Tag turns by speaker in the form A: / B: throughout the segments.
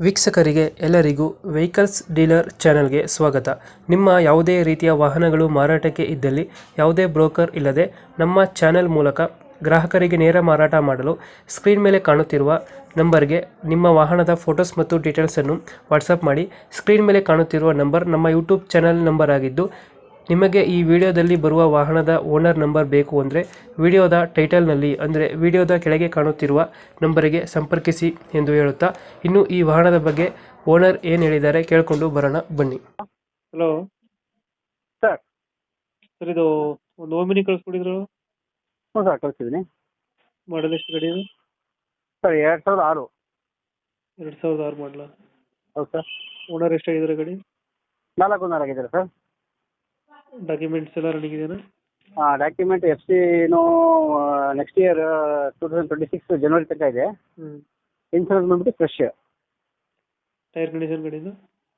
A: ವೀಕ್ಷಕರಿಗೆ ಎಲ್ಲರಿಗೂ vehicles dealer ಚಾನೆಲ್ಗೆ ಸ್ವಾಗತ. ನಿಮ್ಮ ಯಾವುದೇ ರೀತಿಯ ವಾಹನಗಳು ಮಾರಾಟಕ್ಕೆ ಇದ್ದಲ್ಲಿ ಯಾವುದೇ ಬ್ರೋಕರ್ ಇಲ್ಲದೆ ನಮ್ಮ ಚಾನೆಲ್ ಮೂಲಕ ಗ್ರಾಹಕರಿಗೆ ನೇರ ಮಾರಾಟ ಮಾಡಲು ಸ್ಕ್ರೀನ್ ಮೇಲೆ ಕಾಣುತ್ತಿರುವ ನಂಬರ್ಗೆ ನಿಮ್ಮ ವಾಹನದ ಫೋಟೋಸ್ ಮತ್ತು ಡೀಟೇಲ್ಸನ್ನು ವಾಟ್ಸಪ್ ಮಾಡಿ. ಸ್ಕ್ರೀನ್ ಮೇಲೆ ಕಾಣುತ್ತಿರುವ ನಂಬರ್ ನಮ್ಮ ಯೂಟ್ಯೂಬ್ ಚಾನೆಲ್ ನಂಬರ್ ಆಗಿದ್ದು, ನಿಮಗೆ ಈ ವಿಡಿಯೋದಲ್ಲಿ ಬರುವ ವಾಹನದ ಓನರ್ ನಂಬರ್ ಬೇಕು ಅಂದರೆ ವಿಡಿಯೋದ ಟೈಟಲ್ನಲ್ಲಿ ಅಂದರೆ ವಿಡಿಯೋದ ಕೆಳಗೆ ಕಾಣುತ್ತಿರುವ ನಂಬರಿಗೆ ಸಂಪರ್ಕಿಸಿ ಎಂದು ಹೇಳುತ್ತಾ, ಇನ್ನು ಈ ವಾಹನದ ಬಗ್ಗೆ ಓನರ್ ಏನು ಹೇಳಿದ್ದಾರೆ ಕೇಳಿಕೊಂಡು ಬರೋಣ ಬನ್ನಿ. Hello
B: sir.
A: ಸರ್, ಇದು ಒಂದು ಓಮಿನಿ ಕಳಿಸ್ಕೊಡಿದ್ರು,
B: ಹ್ಞೂ ಸರ್, ಕಳಿಸಿದ್ದೀನಿ.
A: ಮಾಡಲ್ ಎಷ್ಟು ಗಾಡಿ ಇದು?
B: ಸರ್ 2006.
A: 2006 ಮಾಡಲ.
B: ಹೌದು ಸರ್.
A: ಓನರ್ ಎಷ್ಟಾಗಿದ್ದಾರೆ ಗಾಡಿ?
B: 4 ಓನರ್ ಆಗಿದ್ದಾರೆ ಸರ್.
A: ಡಾಕ್ಯುಮೆಂಟ್ಸ್ ಎಲ್ಲ ರನ್ನಿಂಗ್ ಇದೆಯಾ?
B: ಡಾಕ್ಯುಮೆಂಟ್ FC ನೆಕ್ಸ್ಟ್ ಇಯರ್ 2026 ಜನವರಿ ತನಕ ಇದೆ. ಇನ್ಸೂರೆನ್ಸ್ ಬಂದ್ಬಿಟ್ಟು ಫ್ರೆಶ್.
A: ಟೈರ್ ಕಂಡೀಷನ್ ಗಾಡಿದು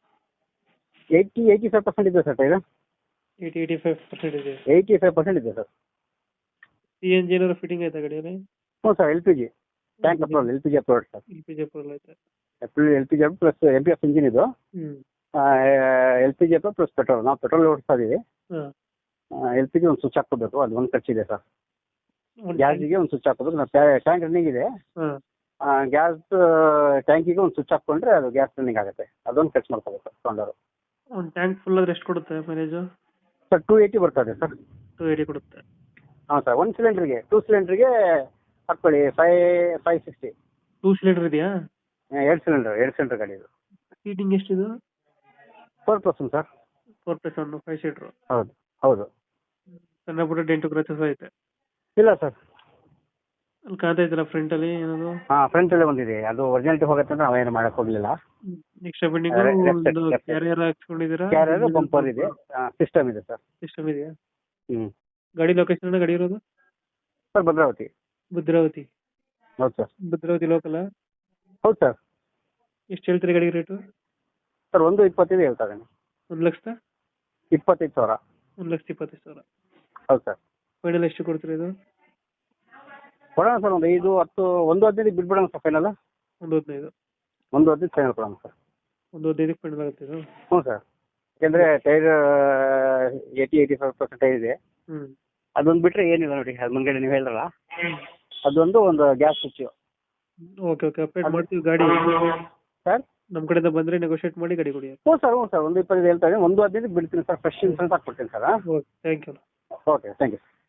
B: 85% ಇದೆ ಸರ್. ಟೈರ್
A: 85% ಇದೆ.
B: 85% ಇದೆ ಸರ್.
A: CNG ಏನಾದ್ರು ಫಿಟ್ಟಿಂಗ್ ಆಯ್ತಾ ಗಾಡಿಯಲ್ಲಿ?
B: ಹ್ಞೂ sir, LPG tank approval, LPG approval sir.
A: LPG approval ಆಯ್ತಾ?
B: LPG ಪ್ಲಸ್ MPF ಇಂಜಿನ್ ಇದು. LPG approval plus petrol. ನಾವು ಪೆಟ್ರೋಲ್ ಓಡಿಸ್ತಾ ಇದೀವಿ. LPG ಒಂದು ಸ್ವಿಚ್ ಹಾಕೋಬೇಕು, ಅದು ಒಂದು ಖರ್ಚಿದೆ ಸರ್. ಗ್ಯಾಸಿಗೆ ಒಂದು ಸ್ವಿಚ್ ಹಾಕೋಬೇಕು. ನಾವು ಟ್ಯಾಂಕ್ ರನ್ನಿಂಗ್ ಇದೆ. ಗ್ಯಾಸ್ ಟ್ಯಾಂಕಿಗೆ ಒಂದು ಸ್ವಿಚ್ ಹಾಕೊಂಡ್ರೆ ಅದು ಗ್ಯಾಸ್ ರನ್ನಿಂಗ್ ಆಗುತ್ತೆ. ಅದೊಂದು ಖರ್ಚು ಮಾಡ್ಕೋಬೇಕು ತೊಗೊಂಡವರು.
A: ಒಂದು ಟ್ಯಾಂಕ್ ಫುಲ್ ಆದ್ರೆ ಎಷ್ಟು ಕೊಡುತ್ತೆ ಮೈಲೇಜ್?
B: ಸರ್ 280 ಬರ್ತದೆ ಸರ್.
A: 280 ಕೊಡುತ್ತೆ.
B: ಹಾಂ ಸರ್. 1 ಸಿಲಿಂಡ್ರಿಗೆ 2 ಸಿಲಿಂಡ್ರಿಗೆ ಹಾಕ್ಕೊಳ್ಳಿ 560.
A: 2 ಸಿಲಿಂಡರ್ ಇದೆಯಾ?
B: 2 ಸಿಲಿಂಡರ್ ಗಾಡಿ ಇದು.
A: ಸೀಟಿಂಗ್ ಎಷ್ಟಿದು?
B: 4+1 ಸರ್.
A: 4+1 5 ಸೀಟರ್.
B: ಹೌದು.
A: ಸಣ್ಣ ಪುಟ್ಟ ಡೆಂಟು ಕ್ರಚಸ್ ಐತೆ?
B: ಇಲ್ಲ ಸರ್.
A: ಅಲ್ಲಿ ಕಾಣ್ತಾ ಇದ್ದಲ್ಲ ಫ್ರಂಟ್ ಅಲ್ಲಿ ಏನದು?
B: ಫ್ರಂಟ್ ಅಲ್ಲೇ ಒಂದಿದೆ. ಅದು ಒರಿಜಿನಾಲಿಟಿ ಹೋಗುತ್ತೆ ಅಂತ ನಾವೇನು ಮಾಡಕ್ ಹೋಗ್ಲಿಲ್ಲ.
A: ಎಕ್ಸ್ಟ್ರಾ ಬೆಂಡಿಂಗ್ ಕ್ಯಾರಿಯರ್ ಹಾಕ್ಸ್ಕೊಂಡಿದ್ದೀರಾ?
B: ಕ್ಯಾರಿಯರ್ ಬಂಪರ್ ಇದೆ. ಸಿಸ್ಟಮ್ ಇದೆ ಸರ್.
A: ಸಿಸ್ಟಮ್ ಇದೆಯಾ? ಗಾಡಿ ಲೊಕೇಶನ್ ಗಾಡಿ ಇರೋದು?
B: ಸರ್ ಭದ್ರಾವತಿ. ಹೌದು ಸರ್.
A: ಭದ್ರಾವತಿ ಲೋಕಲ್?
B: ಹೌದು ಸರ್.
A: ಎಷ್ಟು ಹೇಳ್ತೀರಿ ಗಾಡಿ ರೇಟು?
B: ಸರ್ 1.25 ಹೇಳ್ತಾ ಇದ್ದೀನಿ.
A: 1,25,000.
B: 1,25,000.
A: 1,25,000.
B: ಹೌದು ಸರ್.
A: ಫೈನಲ್ ಎಷ್ಟು ಕೊಡ್ತೀರಿ ಇದು?
B: ಕೊಡೋಣ ಸರ್, ಒಂದು 5, 10, 1.15 ಬಿಟ್ಬಿಡೋಣ ಸರ್ ಫೈನಲ್.
A: 1,15,000.
B: 1.15 ಫೈನಲ್ ಕೊಡೋಣ ಸರ್.
A: 1,15,000 ಫೈನಲ್ ಆಗುತ್ತೆ ಇದು?
B: ಹ್ಞೂ ಸರ್. ಯಾಕೆಂದರೆ ಟೈರ್ 80-85% ಟೈರ್ ಇದೆ. ಅದೊಂದು ಬಿಟ್ಟರೆ ಏನಿಲ್ಲ ನೋಡಿ. ಅದು ಮುಂದ್ಗಡೆ ನೀವು ಹೇಳಿರಲ್ಲ, ಒಂದು ಗ್ಯಾಸ್ ಸ್ವಿಚ್.
A: ಓಕೆ ಅಪ್ಡೇಟ್ ಮಾಡ್ತೀವಿ ಗಾಡಿ
B: ಸರ್.
A: ನಮ್ಮ ಕಡೆಯಿಂದ ಬಂದರೆ ನೆಗೋಷಿಯೇಟ್ ಮಾಡಿ ಗಾಡಿ ಕೊಡಿ.
B: ಹ್ಞೂ ಸರ್. 1.25 ಹೇಳ್ತಾ ಇದ್ದೀನಿ. 1.15 ಬಿಡ್ತೀನಿ ಸರ್. ಫ್ರೆಶ್ ಇನ್ಸೂರೆನ್ಸ್ ಹಾಕ್ಬಿಡ್ತೀನಿ sir.
A: Okay, thank you.
B: Okay, thank you.